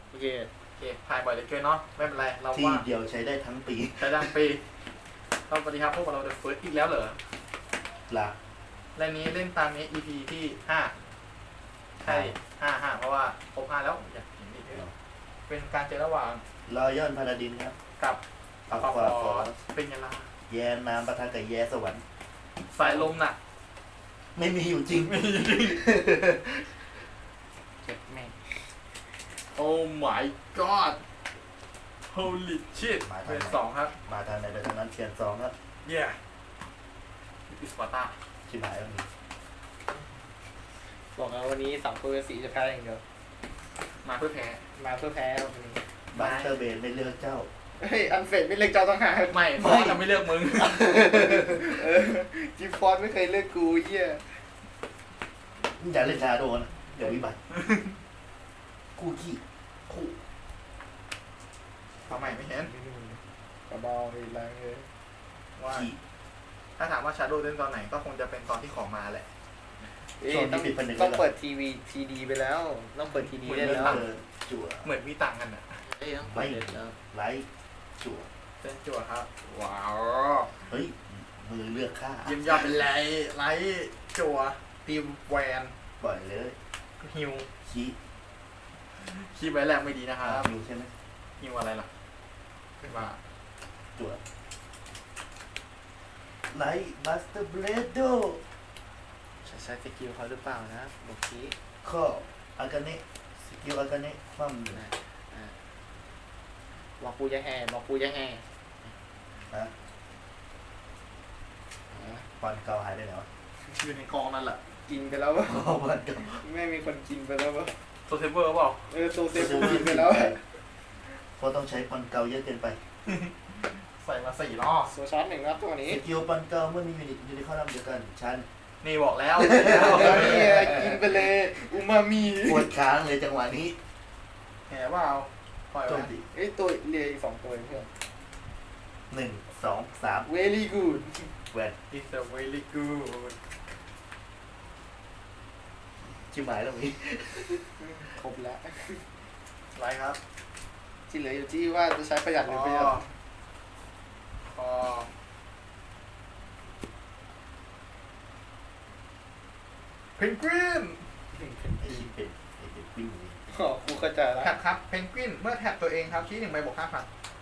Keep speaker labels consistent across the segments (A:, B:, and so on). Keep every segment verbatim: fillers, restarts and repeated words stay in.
A: โอเค
B: โอเคถ่ายบ่อยเหลือเกินเนาะไม่เป็นไรเรา
C: ที่
B: ว่า
C: เดียวใช้ได้ทั้งปี
B: ใช้ดังปีสวัสดีครับพวกเราเดอะเฟิร์สอีกแล้วเหรอ
C: ละ
B: และนี้เล่นตามนี้ อี พี ที่ห้าใช่ห้าห้าเพราะว่าครบห้าแล้วอยากเห็นอีกเยอะเป็นการเจอระหว่าง
C: รอยอนพาราดินครับ
B: กับ
C: อัล
B: ปอ
C: ฟาฟอส
B: เป็นยังไง
C: แย่น้ำปะทะกับแย่สวรรค์
B: สายลมหนัก
C: ไม่มีอยู่จริง
A: เจ็บแม่ง
B: โอ้ my god holy shit เป็นสองครับ
C: มาทางไหนไปทางนั้นเทียนสองครับ
B: yeah อิสปาร์ตา
C: ชิบหายแล้วนี่
A: บอกแล้ววันนี้สามตัวสีจะแพ้อย่างเดียว
B: มาเพื่อแพ้
A: มาเพื่อแพ้วันนี้
C: บัสเตอร์เบนไม่เลือกเจ้า
A: เฮ้ยอันเฟดไม่เลือกเจ้าต้องหา
B: ไม่เพราะว่าจะไม่เลือกมึง
A: เออจิฟฟอนไม่เคยเลือกกูเหี้ย
C: อย่าเล่นชาโดนะเดี๋ยววิบัติคู่ขี้คู่
B: ทำไมไม่เห็น
A: กระเบาอีกแรงเลย
B: ว่า
C: ขี้
B: ถ้าถามว่าชาโดว์เล่นตอนไหนก็คงจะเป็นตอนที่ของมาแหละ
A: เอ้ยต้องต้องเปิดทีวีทีดีไปแล้ว ต้องเปิดทีดีได้แล้ว
C: เออจั่ว
B: เหมือนมีตังค์กันอ่ะ
A: เอ้ยต้องเปิดแล้ว
C: ไลท์จั่ว
B: เส้นจั่วครับ ว้าว
C: เฮ้ยมือเลือกข้า
B: เยี่ยมยอดเป็นไรไลท์จั่วตีมแวน
C: ปล่อยเลย
B: ฮิว
C: ขี้
B: คีบไว้แรงไม่ดีนะครับ
C: อยู่ใช่ไหม
B: ฮิวอะไรล่ะขึ้นมา
C: จั่วไลท์บัสเตอร์เบรดโด
A: ใช้ใช้สกิลเขาหรือเปล่านะบอกที
C: ข้ออากาเนะสกิลอากาเนะคว่ำหนึ่ง
A: นะอ่าบอกกูจะแห่บอกกูจะแห่
C: นะ
A: อ่า
C: ปอนเก่าหายไปไหนวะ
B: อยู่ในกองนั่นแหละ
A: กินไปแล้ววะ
C: อ๋อปอนเก่า
A: ไม่มีคนกินไปแล้ววะ
B: โซเซเวอร์เปล่า
A: เออโซเซฟกินไปแล้วอะ
C: เพราะต้องใช้ปอนเก่าเยอะเกินไป
B: ใส่มาสี่รอบ
A: โซชาร์จหนึ่งครับตัวนี้
C: สกิลปอนเก่าเมื่อมียูนิตอยู่ในข้อลำเดียวกันชั้น
B: นี่บอกแล้ว
A: แล้วเนี่ยกินไปเลยอูมามิ
C: ปวดค้างเลยจังหวะนี้
B: แหมเปล่าปล่อย
C: โจ
B: ไว้
C: มตี
A: เอ้ยตัวเรียอีกสองตัวเพื่อน
C: หนึ่งสองสาม
A: very good
C: แหวน
B: It's a very good
C: ชิบหายแล้วมี
A: ครบแล้ว
B: ไรครับ
A: ที่เหลืออยู่ที่ว่าจะใช้ประหยัดหรือประหยัด
B: พอเพนกวิน
C: ไอ้ที่เป็นไอ้เป็นปิ้งนี่
A: อ๋อครูเข้าใจแล้ว
B: แท็บครับเพนกวินเมื่อแท็บตัวเองครับชี้หนึ่งใบบวกห้าพัน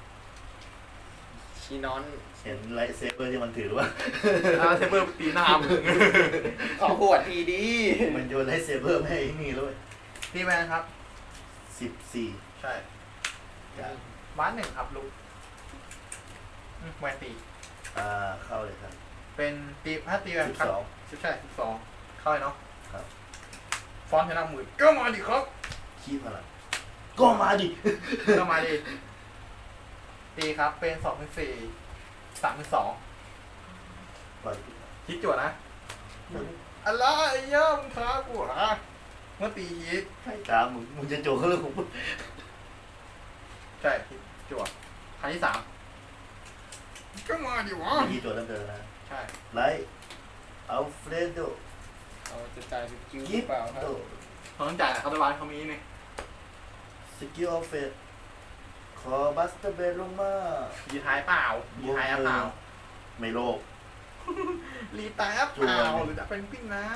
A: ชีนอน
C: เห็นไลท์เซเบอร์ที่มันถือหรือว่า
B: อาเซเบอร์ตีหน้ามึง
A: ขอขวดทีดี
C: มันโยนไลท์เซเบอร์ไม่ให้นี่เลย
B: ตีแวนครับ
C: สิบสี่
B: ใช่
C: จาก
B: บ้านหนึ่งครับลูกอืมแวนตี
C: อ่าเข้าเลยครับ
B: เป็นตีถ้าตีแวน
C: สิบ
B: ครับ
C: สอง
B: สิบใช่สิบสองเข้าเลยเนาะ
C: ครับ
B: ฟอนต์ชนะหมื่นก็มาดิครับ
C: ขี้พลังก็มาดิ
B: ก็มาดิตีครับเป็นสองเป็นสี่สามเป็นสอง
C: ปล่อย
B: คิดจั่วนะอะไรเย่มึงท้ากูเหรอเมื่อตีฮิต
C: ใครตามมึงมึงจะโจกเขาเลยของมึง
B: ใช่คิดจั่วครั้งที่สามก็มาดิวะ
C: ยี่ตัวตั้งเดินนะ
B: ใช่
C: ไลท์อัลเฟรโด
A: เอาจะจ่ายสกิลห
C: กิ
A: รือ
C: ฟ
A: เปล่าครับ
C: โต
B: เขาต้องจ่ายเขาตะวันเขามีนี่
C: สกิลออฟเฟตขอบัสเตอร์เบลลงมา
B: ยีท้ายเปล่ายีท้ายอะเปล่า
C: ไม่โลภ
B: รีตายอะเปล่าหรือจะเป็นปิ้นนะ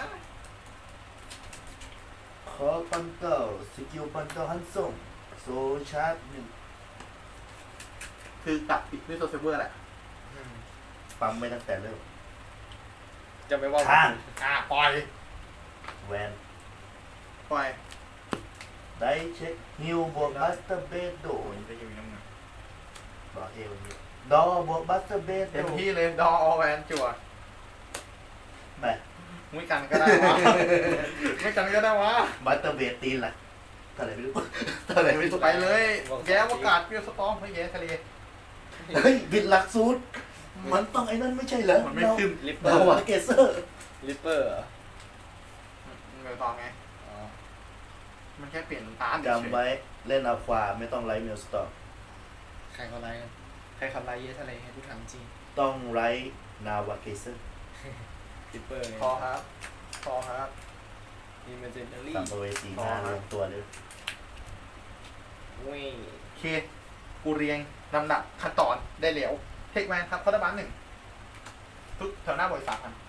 C: ขอปันเก่าสกิลปันเก่าฮันส่งโซชาร์จหนึ่ง
B: คือตัดปิดด้วยโซเซเวอร์แหละ
A: อืม
C: ปั๊มไม่ตั้งแต่เริ่ม
A: จะไม่ว่า
C: ข้าง
B: อ่ะปล่อย
C: แวน
B: ปล่อย
C: ได้เช็คฮิวบวกบัสเตอร์เบดโด
B: โอ้ยจะอยู่น้ำเงิน
C: ต่อเอวนี้ดอบวกบัสเตอร์เบด
B: เต็ม
C: โด
B: ที่เลยดออแวนจั่ว
C: ไป
B: ไม่กันก็ได้วะ ไม่กันก็ได้วะ
C: บัสเตอร์เบดตีนล่ะเท่าไหร่ไม่รู้ เท่าไหร่ไม่รู้
B: ไปเลยแย้วอากาศเปรี้ยวสตอมไม่แย้ทะเล
C: เฮ้ยบิดหลักสูตรมันต้องไอ้นั่นไม่ใช่เหรอ
B: มันไม่ขึ้น
A: ลิปเป
C: ดา
A: อร์
C: วาเกเซอร์
A: ลิปเปอร์เหรอ
B: เงยต่อไง
A: อ๋อ
B: มันแค่เปลี่ยนตาเฉย
C: จำไว้เล่นอาควาไม่ต้องไลท์เมลสตอร์
A: ใครเขาไล่กันใครเขาไล่เยอะทะเลให้ทุกทางจริง
C: ต้องไลท์นาวาเกเซอร์
A: ลิปเปอร์ไง
B: พอครับ พอครับ
A: มีเมเจนเนอรี่
C: สัมภเวสีหน้ารวมตัวเลย
A: อุ้ย
B: โอเค กูเรียงลำดับขั้นตอนได้แล้วเทคแมนครับคอร์ดบันหนึ่งทุกแถวหน้าบริษัทพัน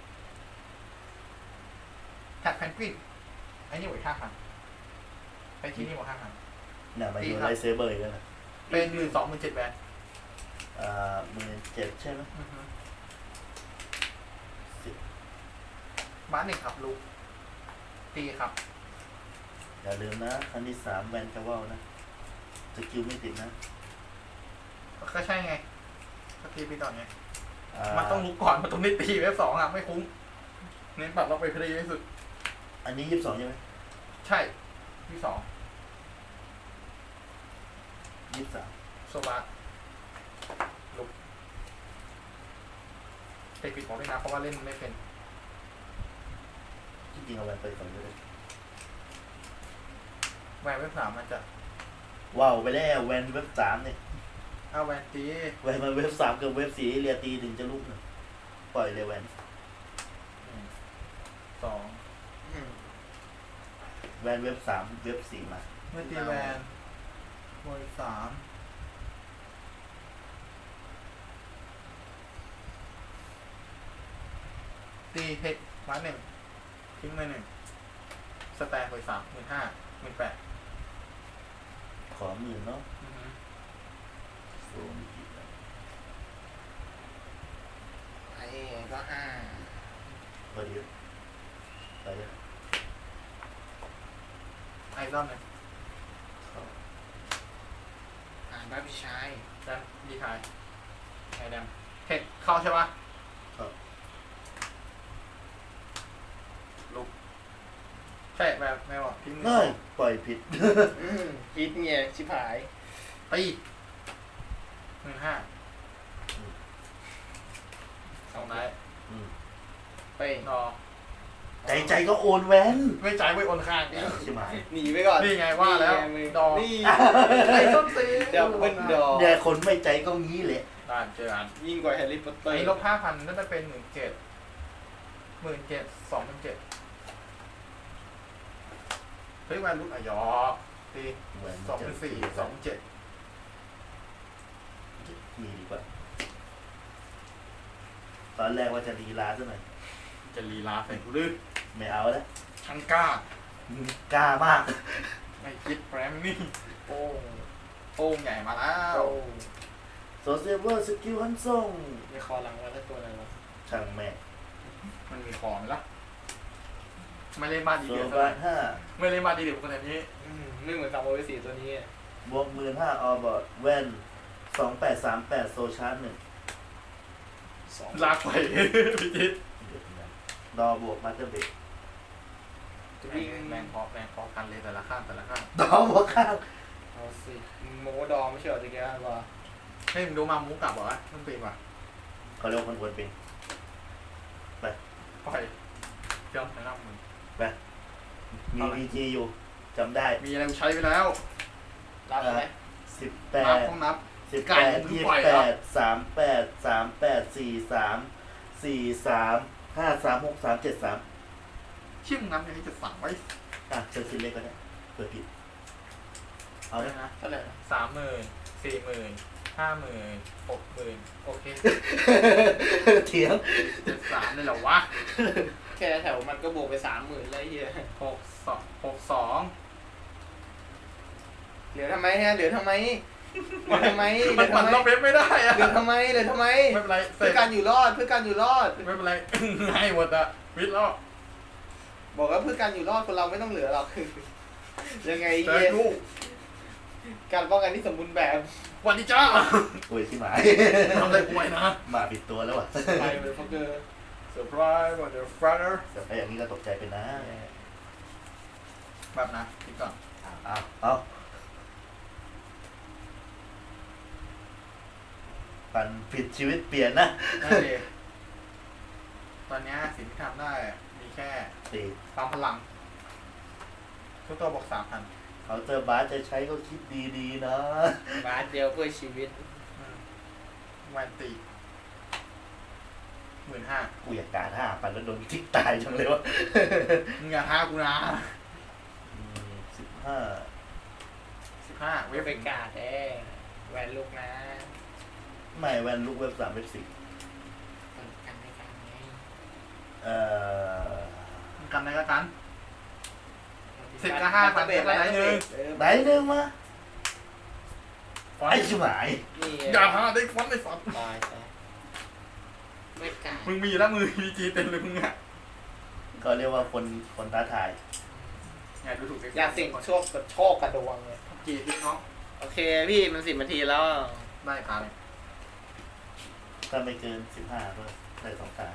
B: แท็กแพนกวินไอ้นี่บริห้าพันไปที่นี่บริห้าพัน
C: เนี่ยมาอยู่ไลท์เซเบอร์อีกแล้วนะ
B: เป็นหมื่นสองหมื่นเจ็ดแบน
C: อ่าหมื่นเจ็ดใช่ไหมสิบ
B: บ้านหนึ่งครับลูกตีครับ
C: อย่าลืมนะอันที่สามแวนคาเวลนะสกิลไม่ติดนะ
B: ก็ใช่ไงก็ตีไปต่อไง
C: อ่า
B: มันต้องรู้ก่อนมันต้องได้ตีเว็บสองอ่ะไม่คุ้มเน้นปรับล็อกไปเพลย์ที่สุด
C: อันนี้ยี่สิบสองใช่ไหม
B: ใช่ที่สอง
C: ยี่สิบสาม
B: โซบาลุกเตะปิดของด้วยนะเพราะว่าเล่นไม่เป็น
C: ที่จริงเอาแวนไปก่อนก็ได้
B: แหวนเว็บสามมันจะ
C: ว้าวไปแล้วแวนเว็บสามเนี่ย
B: เอาแหวนตี
C: แวนมาเว็บสามกับเว็บสี่เรียตีถึงจะลุกนะปล่อยเลยแวน
B: สอง
A: อืม
C: แวนเว็บสามเว็บสี่มา
B: เมื่อตีแหวนบอยสามตีเทคมาหนึ่งทิ้งมาหนึ่งสแตนบอยสามหมื่นห้าหมื่นแปด
C: ขอหมื่นเนาะสูงกี่บาท
A: ไอ้ก็ห้า
C: พอดีไปเลย
B: ไอ้รอบหนึ่ง
C: เข้า
A: อ่านบ้านพี่ชาย
B: แดมดีไทยไอ้แดมเทคเข้าใช่ปะ
C: เข้า
B: ลุกใช่แบบแม่บอกทิ้งมือ
C: เฮ้ยปล่อยผิด
A: อืมฮิตเนี่ยชิบหาย
B: ตีหมื่นห้า
C: อืม
B: สองไนท์
C: อืม
A: ไป
B: รอ
C: ใจใจก็โอนแวน
B: ไม่จ่ายไว้โอนข้าง
C: ใช่ไหม
A: หนีไปก่อน
B: นี่ไงว่าแล้ว
A: นี่ไงมึง
B: ดอก
A: นี่
B: ไอ้ต้นตี
A: เดี๋ยวเป็นดอก
C: เนี่ยคนไม่ใจก็งี้แหละ
B: ด่านเจออัน
A: ยิ่งกว่าแฮร์รี่พอตเตอ
B: ไอ้
A: ร์
B: ลบห้าพันนั่นจะเป็นหมื่นเจ็ดหมื่นเจ็ดสองหมื่นเจ็ดเฮ้ยแวนรุ่นอ่ะยอตี
C: แวน
B: สองหมื่นสี่สองหมื่นเจ็ด
C: มีดีกว่า ตอนแรกว่าจะรีลาซะหน่อย
B: จะลีลาใส่กูดื้อ
C: ไม่เอาแล้ว
B: ช่างกล้า
C: กล้ามาก
B: ไม่คิดแพรมนี่
A: โป้ง
B: โป้งใหญ่มาแล้ว
A: โป้ง
C: โซเซเวอร์สกิลฮันซ่ง
A: มีคอหลังไว้แล้วตัวอะไรวะ
C: ช่างแม่
B: มันมีของไหมล่ะไม่เล่นบ้านดี
C: โซ
B: เดือด
C: บาทห้า
B: ไม่เล่นบ้านดีเดือดขนาดนี้
A: อืมไม่เหมือนสามโอเวสีตัวนี้อะ
C: บวกหมื่นห้าออบอร์ดแวนสองแปดสามแปดโซชาร์จหนึ่ง
A: สอง
B: ลากไปพิจิต
C: ดอบวกมาสเตอร์เบรก
A: จะวิ่ง
B: แรงพอแรงพอกันเลยแต่ละข้างแต่ละข้าง
C: ดอบวกข้าง
A: เอาสิโมดอไม่ใช่เหรอตะกี้ว่า
B: ให้มึงดูมามุกกลับเหรอมันเป็นว่ะ
C: เขาเรียกว่าคนควรเป็น
B: ปล่อยเจ้าแนะนำมึง
C: มีพีจีอยู่จำได้
B: มีอะไรกูใช้ไปแล้ว
A: รับไหม
C: สิบแป
B: นับ
C: ด
B: ต้องนับ
C: สิบ
B: ไก่
C: แปด
B: มึง
C: ยี่
B: ปล่อย
C: แป
B: เหรอ
C: ดสามแปดสามแปดสี่สามสี่สามห้าสามหกสามเจ็ดสาม
B: ชื่อมึงนับอย่างนี้จะสั่งไว้
C: อ่ะเซอร์ซิเล็กก็ได้เปิดผิด เอา
B: เอา
C: ไหม
B: เลยนะ
A: เท่าไหร่นะ
B: สามหมื่นสี่หมื่นห้าหมื่นหกหมื่นโอเค
C: เถียง
B: เจ็ดสามเลยเหรอวะ
A: แค่แถวมันก็บวกไปสามหมื่นแล้วไอ้เฮีย
B: หกสองหกสอง
A: เหลือทำไมฮะเหลือทำไมเหลือทำไมเห
B: มั
A: ลื
B: น
A: อ
B: ปั่น
A: ทำไม
B: รอบเว็บไม่ได้อะ
A: เหลือทำไมเหลือทำไม
B: ไม่เป็นไรเสร็
A: เพื่อ
B: จ
A: การอยู่รอดเพื่อการอยู่รอด
B: ไม่เป็นไร ให้หมดอะวิทย์แล้ว
A: บอกว่าเพื่อการอยู่รอดคนเราไม่ต้องเหลือหรอก ยังไง
B: เจอ
A: เหี้ย
B: กู
A: การป้องกันที่สมบูรณ์แบบ
B: วันนี้จ้า
C: โอ้ยที่หมาย
B: ทำอะไรกูไว้นะ
C: มาผิดตัวแล้วว่ะ
A: ไปเลยฟักเกอร์
B: เซอร์ไพรส์วันเดอร์ฟราเดอร์
C: แต่ถ้าอย่างนี้ก็ตกใจเป็นนะ
B: แบบนะคิดก่อน
C: เอาเอาปั่นผิดชีวิตเปลี่ยนนะ
B: นั่นเองตอนนี้สิ่งที่ทำได้มีแค่
C: สี่
B: ปั๊มพลัง ทุกตัวบอกสามพัน
C: เขาเจอบาสจะใช้ก็คิดดีๆนะ
A: บาทเดียวเพื่อชีวิต
B: วันตีหมื่นห้า
C: กูอยากการห้าปั่นแล้วโดนทิกตายจังเลยวะ
B: มึงอย่าท้ากูนะ
C: สิบห้า
B: สิบห้าเว
A: เว็บ
B: ฟ
A: เป็นการ์ดแด้แหวนลูกนะ
C: ไม่แวนลูกเว็บสามเว็บสี่
A: กันไม่กันไง
C: เอ่อ
B: กันในกระกัน สิบกับห้าพัน
A: เบ็ด
B: ก็ได้หนึ่ง
C: ไหนเรื่องมาไอ้ชิบหาย
A: นี่
B: อย่าหาได้ฟอนต์ไอ้สัตว์
A: ตายซะไม่การ์ด
B: มึงมีแล้วมือพีจีเต็มเลยมึงอ่ะ
C: ก็เรียกว่าคนคนท้าทาย
B: ไงดูถูก
A: อยากสิ่งโชคกับโชคกระดวงเลย
B: จีพี่น้อง
A: โอเคพี่มันสิบนาทีแล้ว
B: ได้ตาเลย
C: ถ้าไม่เกินสิบห้าก็ได้สองตา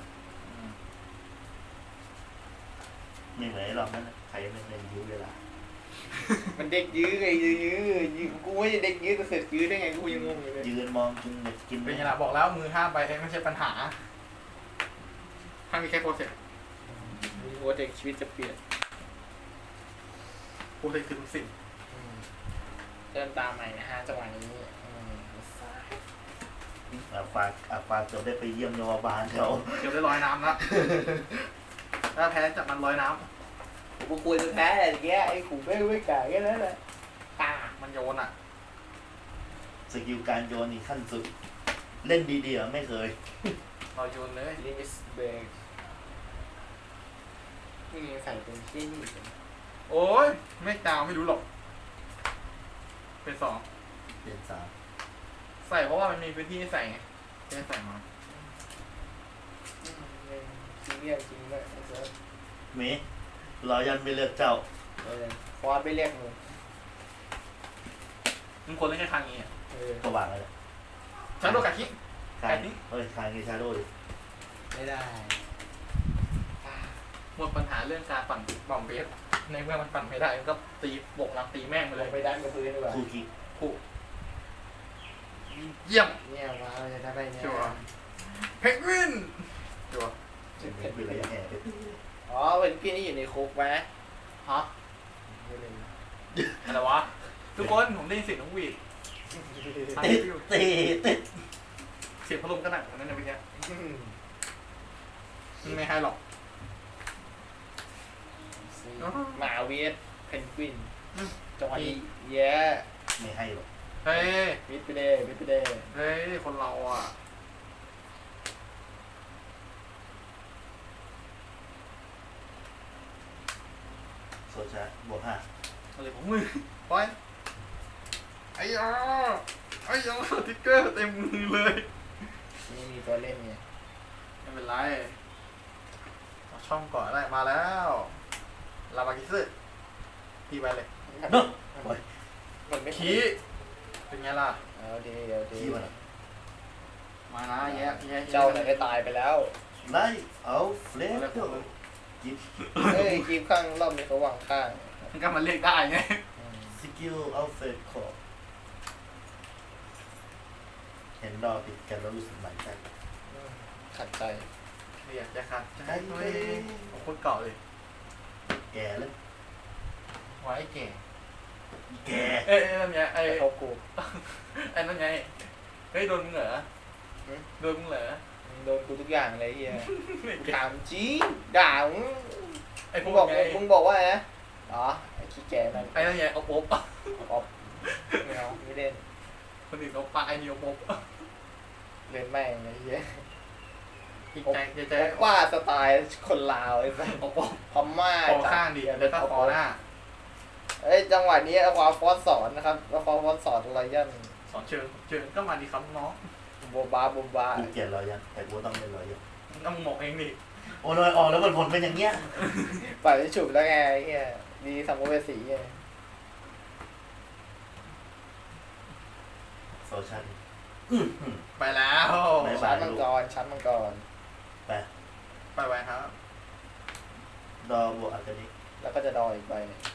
C: ไม่เหมือนไอ้รอบนั้นนะใครไม่ได้ยื้อเวลา
A: มันเด็กยื้อไงยื้อยื้อยื้อกูไม่ใช่เด็กยื้อก็เสร็จยื้อได้ไงกูยังงงอยู่เลย
C: ยืนมองกินเน็ตกิน
B: เป็นไงล่ะบอกแล้วมือห้ามไปไม่ใช่ปัญหาถ้ามีแค่โปรเซส
A: กูว่าเด็กชีวิตจะเปลี่ยน
B: โปรเซสคือทุกสิ่ง
A: เริ่มตามใหม่นะฮะจังหวะนี้อืม
C: อาฟาอาฟาจะได้ไปเยี่ยมโรงพยาบาลเขา
B: เดี๋ยวได้ลอยน้ำแล้วถ้าแพ้จับมันลอยน้
A: กูควรจะแพ้อะไรอย่างเงี้ยไอ้ขู่ไม่ไม่กล้าแค่นั้นแหละตา
B: ำมันโยนอ่ะ
C: สกิลการโยนนี่ขั้นสุด เล่นดีๆอ่ะไม่เคย
B: เราโยนเลย
A: ลิมิสเบรกนี่ใส่เป็นที่นี่
B: โอ้ยไม่ดาวไม่รู้หรอกเป็นสอง
C: เปลี่ยนสาม
B: ใส่เพราะว่ามันมีพื้นที่ให้ใส่ไงจะได้ใส่มา
A: ซีเรียสจริงเลยไอ้เซิร์ฟ
C: เมรอยันไปเลือกเจ้า
A: เออฟอสไปเรียกมึง
B: มึงควรเล่นแค่ครั้งนี้อ่ะ
A: เออ
C: ก็วางเลย
B: ฉันโดนกัดคิ
C: คางเฮ้ยคางกีชาโดดิ
A: ไม่ได้ตา
B: หมดปัญหาเรื่องการปั่นบอมเบสในเมื่อมันปั่นไม่ได้มันก็ตีบกหลังตีแม่งไป
A: ล
B: เล
A: ง
B: ย
A: ไปด้านกับพื้นดีกว่า
C: คู่คิก
B: ผู้เยี่ยม
A: เนี่ยมาเราจะได้เนี่ย
B: ชัวร์เพนกวินชัวร์
C: เป็นเป็นระยะแห่ไป
A: อ๋อเป็นพี่นี่อยู่ในคุกไหม
B: ฮะ
A: ไม่เลย
B: อะไรวะทุกคนผมได้ยินเสียงน้องหวีด
C: ติดติดติด
B: เสียงพัดลมก็หนักกว่านั้นนะเมื่อกี้
A: อืม
B: ไม่ให้หรอก
A: หมาเวสเพนกวิน
B: อืม
A: จังหวะนี้แย่
C: ไม่ให้หรอก
B: เฮ้ย
A: มิดไปเดย์มิดไปเดย์
B: เฮ้ยคนเราอ่ะ
C: โซชาบวกห้า
B: อะไรของมึงไปไอ้ยาไอ้ยาสติ๊กเกอร์เต็มมือเลย
A: นี่มีตัวเล่นไง
B: ไม่เป็นไรเอาช่องก่อนได้มาแล้วลาบากิซึตีไปเลย
C: เนาะโอ้ย
A: มันไม่
B: ขี้เป็นไงล่ะ
A: เอาดีเอาดี
C: ขี้มันอะ
B: มานะแย่แย่
A: เจ้าไหนได้ตายไปแล้ว
C: ไล่เอาเฟล
B: อะไร
C: ก
B: ของมึง
C: จิบ
A: เฮ้ยคลิปข้างรอบนี้เขาวางข้าง
B: มันก็มาเรียกได้ไง
A: อืม
C: สกิลเอาเฟลคอเห็นดอติดกันแล้วรู้สึกหมันใจ
A: ขัดใจ
B: เรียกจะขัดใจตัวเองของคนเก่าเลย
C: แก่แล้ว
B: ไว้แก่
C: แก่
B: เอ้ยนั่นไงไอ้
A: กระทบกู
B: ไอ้นั่นไงเฮ้ยโดนมึงเหรอโดนมึงเหรอ
A: โดนกูทุกอย่างเลยเฮีย
B: ไม่
A: กู
B: เก่ง
A: ถามจริงด่ามึง
B: ไอ้พ
A: มึ
B: ว
A: ง
B: ก
A: บอก
B: ไง
A: มึงบอกว่าไงนะอ๋อไอ้ขี้แก่นั่น
B: ไอ้นั่นไงเอาโป๊บ
A: ออกไม่เอาไม่เล่น
B: คนอื่นเอาปลาไอ้นี่เอาโป๊บ
A: เล่นแม่งไอ้เฮีย
B: อีกใจใจใจ
A: ว่าสไตล์คนลาวไอ้สัส
B: เอาโป๊บ
A: พม่า
B: คอข้างดีแล้วก็คอหน้า
A: เอ้ยจังหวะนี้เอาความฟอสสอนนะครับเอาความฟอสสอนอะไรยัน
B: สอนเชิญเชิญก็มาดีครับน้อง
A: โบบาโบบา
C: กูเกลียดรอยยันแต่กูต้องเล่นรอยยัน
B: ต้องหมกเองดิ
C: โอ้ยออกแล้วมันผลเป็นอย่างเงี้ย
A: ปล่อยไปฉุบแล้วไงไอ้เฮียดีสัมภเวสีไง
C: โซชันอื้อหือ
B: ไปแล้ว
C: ไม่
A: ชั้นมังกรชั้นมังกร
C: ไป
B: ไปไว้ครับ
C: ดอบวกอัลเทอร์นิ
A: แล้วก็จะดอยอีกใบหนึ่ง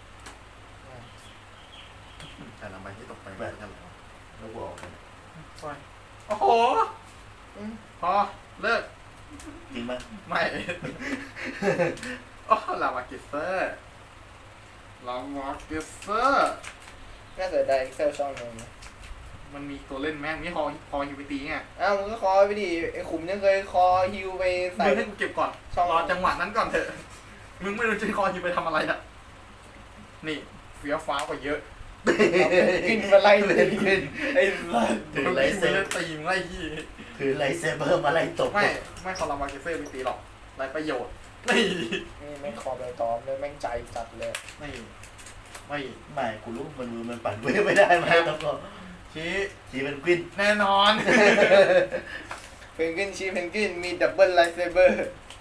B: แต่ละใบที่ตกไป
C: แบบนั้นแล้วบวกออกเลย
B: ไปโอ้โห
A: อืม
B: พอเลิก
C: จริงไหม
B: ไม่ โอ้ลามากิเซอร์ลามากิเซอร์
A: น่าเสียดาย Excel ช่องหนึง
B: มันมีตัวเล่นแม่งนี่คอคอฮิวไปตีไง
A: อ้าวมึงก็คอไปดิไอ้ขุมยังเคยคอฮิวไปใส่
B: มึงให้กูเก็บก่อน
A: ช่อง
B: รอจังหวะนั้นก่อนเถอะ มึงไม่รู้จะคอฮิวไปทำอะไรอ่ะ นี่เฟี้ยวฟ้าวกว่าเยอะ
A: กินมาไล่
C: เพ
A: เล
C: น
A: ย
C: กวิน
A: ไอ้สัส
C: ถือไลท์เซ
B: ไม่
C: เบอร์
B: ได้ตีมึงไล่ยี่
C: ถือไลท์เซเบอร์มาไล่ตบ
B: ไม่ไม่คอร์มาเกเซ่ไม่ตีหรอกไรประโยชน์นี่
A: นี่แม่งคอใบตองเลยแม่งใจจัดเลย
B: ไม่ไม่
C: ไม่กูรู้มันมือมันปั่นเวฟไม่ได้ไหมต้องรอ
B: ชี้
C: ทีเป็นกวิน
B: แน่นอน
A: เพนกวินชีเพนกวินมีดับเบิลไลท์เซเบอร์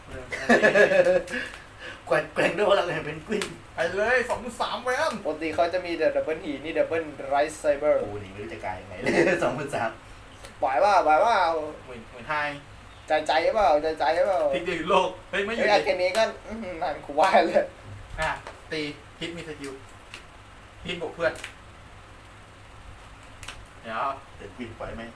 C: แกว่งแกว่งด้วยพลังแห่งเป็นกวิน
B: ไปเลยสองสามแวน
A: ปกติเขาจะมีแต่ดับเบิลหีนี่ดับเบิลไรท์เซเบอร์
C: โอ้หนีไม่รู้จะกลายยังไงเลยสองพันสาม
A: ปล่อยว่าปล่อยว่า
B: หมื่นหมื่นไทย
A: ใจใจเปล่าใจใจเปล่า
B: พลิกเดียวอยู่โลกเฮ้ยไม่อ
A: เฮ้
B: ยู่
A: ยไอ้
B: ดิ
A: แค่นี้ก็อื้อหือนั่นกูว่าเลย
B: อ่ะตีฮิตมีสกิลฮิตบวกเพื่อนเดี๋ยว
C: เป็นกวินปล่อยไหม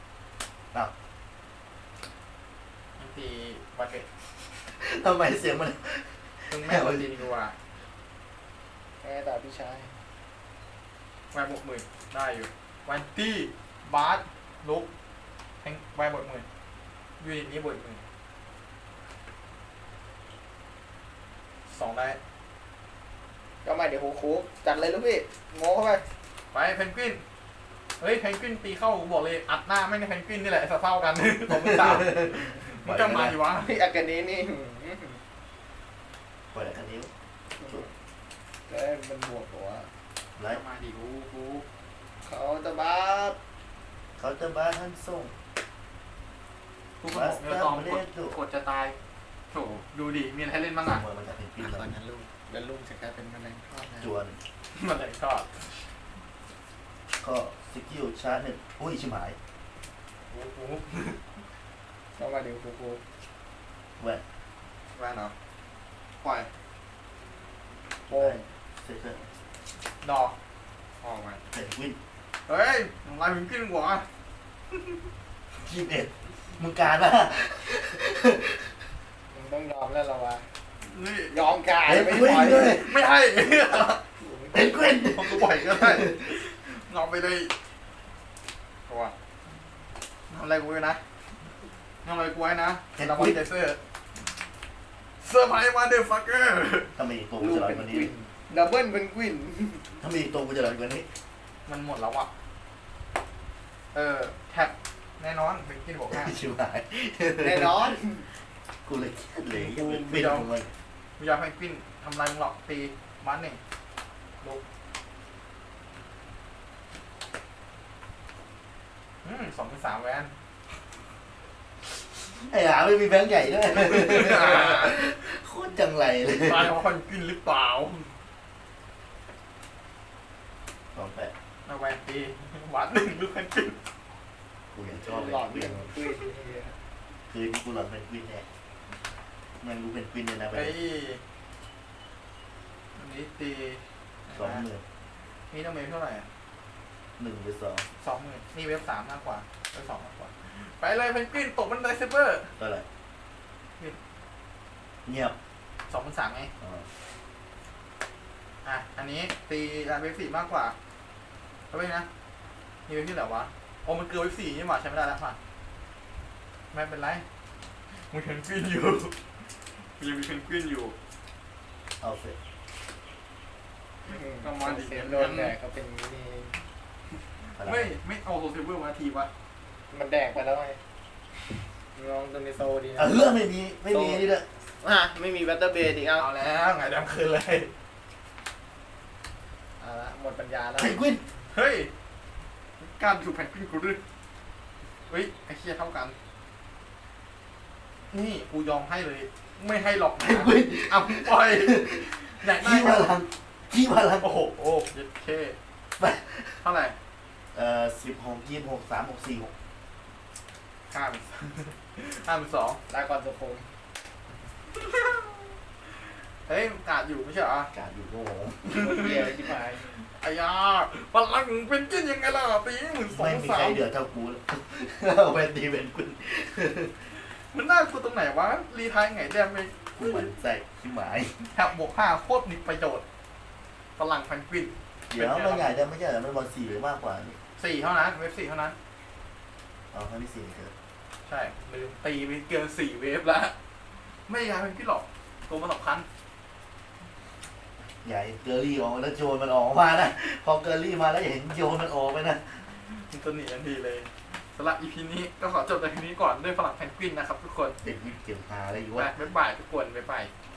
B: มันตีบัตเก็ต
C: ทำไมเสียงมัน
B: ซึ่งแม่วันตีดีกว่า
A: แม่แต่พี่ชาย
B: แวนบวกหมื่นได้อยู่วันตี้บาสลุกแทงแวนบวกหมื่นยูนิตนี้บวกหมื่นสองได้
A: ก็มาเดี๋ยวโคโคจัดเลยลูกพี่โง่เข้าไป
B: ไปเพนกวินเฮ้ยเพนกวินตีเข้ากูบอกเลยอัดหน้าไม่ใช่เพนกวินนี่แหละเศร้ากัน ผมไม่ทราบมันจะมาอยู่วะ
A: พี่อาการนี้นี่อื้อหือ
C: ปล่อยแล้วคันนิ้ว
A: แล้วมันบวกหัว
C: ไล
B: จะ
C: ท์
B: มาดิกูกู
A: เขาจะบ้า
C: เขาจะบ้าท่านส่ง
B: กูก็บอกเนื้อตองกดกดจะตายโถดูดิมีอะไรให้เล่นบ้างอ่ะ
C: เมื่อมันจะเป็นกวิน
A: ต
C: แล้
A: อ
C: วน
A: นั้นลูกแล้วลูกจะกลายเป็นแมลงทอดนะ
C: จวน
B: มันเลยก็
C: ก็สกิลชาร์จหนึ่งอุ้ยชิบหาย
B: กูกู
A: ก็มาเดี๋ยวโคโค
C: แหวน
B: แวนเหรอปล่อย
A: โป้ง
C: เซตเตอร์
B: ดอกออกมา
C: เป็นกวิน
B: เฮ้ยทำลายเพนกวินหัว
C: ยี่สิบเอ็ดมึงการปะ
A: มึงต้องยอมแล้วเราวะ
B: นี่
A: ยอมกาย
C: เป็น
A: ไม่
C: กวิน
A: ปล่อย
C: ด้วย
B: ไม่ให้
C: เป็นกวิน
B: ผมก็ปล่อยก็ได้งอไปเลยเพราะว่าทำอะไรกูไว้นะทำอะไรกูไว้นะดับเบิลเจเซอร์เซอร์ไพรส์มาเดอร์ฟักเกอร์
C: ถ้ามีอีกตัวกู
A: ลูก
C: จะหลอน
A: เป็น
C: กว่า
A: ค
C: นี้
A: วินดับเบิลเป็นควิน
C: ถ้ามีอีกตัวกูจะหลอนกว่านี้
B: มันหมดแล้วอ่ะ เออแท็บแน่นอนเป็นกินบอกห้า
C: ชิบหาย
A: แน่นอน
C: กูเลยเครียดเลยยังเป็นกวินของมัน
B: วิญญาณเพนกวินทำลายมึงหรอกตีมันหนึ่งลุกอืมสองเป็นสามแวน
C: ไอ้หาไม่มีแบงค์ใหญ่ด้วยโคตรจังไรเลย
B: ตายเพราะเพนกวินหรือเปล่า
C: สองแปด
B: เอาแวนตีหวานหนึ่งลูกเพนกวิน
C: กูยังชอบเลย
A: หลอด
C: ก
A: เรี
C: วิ
A: ย
C: น
A: งควิน
C: คืนกูหลอนเป็นกวินแน่มันรู้เป็นกวินเลยนะไป
B: ไอ้อันนี้ตี
C: สองหมื่น
B: นี่ต้องเมฟเท่าไหร่อะ
C: หนึ่งหรือสอง
B: สองหมื่นนี่เว็บสามมากกว่าเว็บสองมากกว่า ไปเลยเพนกวินตกบันไดเซเบอร์
C: เท่าไหร่เงียบ
B: สองพันสามไง
C: อ๋อ
B: อ่ะ อันนี้ตีอ่ะเว็บสี่มากกว่าเอาไปนะนี่เว็บที่ไหนวะโอ้มันเกินเว็บสี่นี่หว่าใช้ไม่ได้แล้วป่ะไม่เป็นไรมึงเพนกวินอยู่มึงยังมีเพนกวินอยู่
C: เอาเสร็จ
A: ก็มาดิเสียโดนแดกก็เป็นอย่างนี้
C: พลัง
B: ไม่ไม่เอาโซเซเบอร์มาทีวะ
A: มันแดกไปแล้วไงลองตัวนี้โซดีนะ
C: เออไม่มีไม่มีนี่ด้วย
A: อ่ะไม่มีแบตเตอร์เบสอีกเอา
B: เอาแล้วไงดำคืนเลย
A: เอาละหมดปัญญาแล้ว
C: เพนกวิน
B: เฮ้ยการถูกแพนกวินกูด้วยเฮ้ยไอ้เคียเท่ากัน นี่กูยอมให้เลย ไม่ให้หรอก
C: เพ
B: นะ
C: นกวิน
B: เอาปล่อยอยากได้
C: ขี้พลังขี้พลัง
B: โอ้โหโอ้เย็ดเคเท่าไหร่
C: เอ่อสิบหกยี่สิบหกสามหกสี่หก
B: ห้าเป็นห้าเป็นสอง
A: ลาก่อนสุขุม
B: เฮ้ยกาดอยู่ไม่ใช่เหรอ
C: การอยู่โง่
A: เหี้ยที่พาย
B: ไอ้ยาพลังเป็นกินยังไงล่ะตีหมื่นสอ
C: ไม่
B: ง
C: มี
B: สา
C: ใคร
B: ม
C: เดือดเท่ากูเอาเป็นตีเป็นกุน
B: มันน่ากลัวตรงไหนวะ รีไทายไงแดมไป
C: กูเหมือนใส่ขี้หมาย
B: แถบบวกห้าโคตรมีประโยชน์พลังแพนกวิน
C: เดี๋ยวมันใหญ่จะไม่ใช่เหรอมันบอลสี่หรือมากกว่านี่
B: สี่เท่านั้น เวฟสี่เท่านั้น
C: เอาแค่ที่สี่เถอะ
B: ใช่ลืมตีไปเกินสี่เวฟแล้ว ไม่ยายเป็นพี่หรอกตัวมันสำคัญ
C: อย่าให้เกอรี่ออกมาแล้วโจนมันออกมานะพอเกอรี่มาแล้วอย่าเห็นโจนมันออกไปนะ
B: มันจะหนีทันทีเลยสำหรับ อี พี นี้ก็ขอจบในทีนี้ก่อนด้วยพลังแพนกวินนะครับทุกคน
C: เด็กวิทย์เก็บหาอะไรอยู่
B: ไป
C: วะ
B: บ๊ายบายทุกคนบ๊ายบาย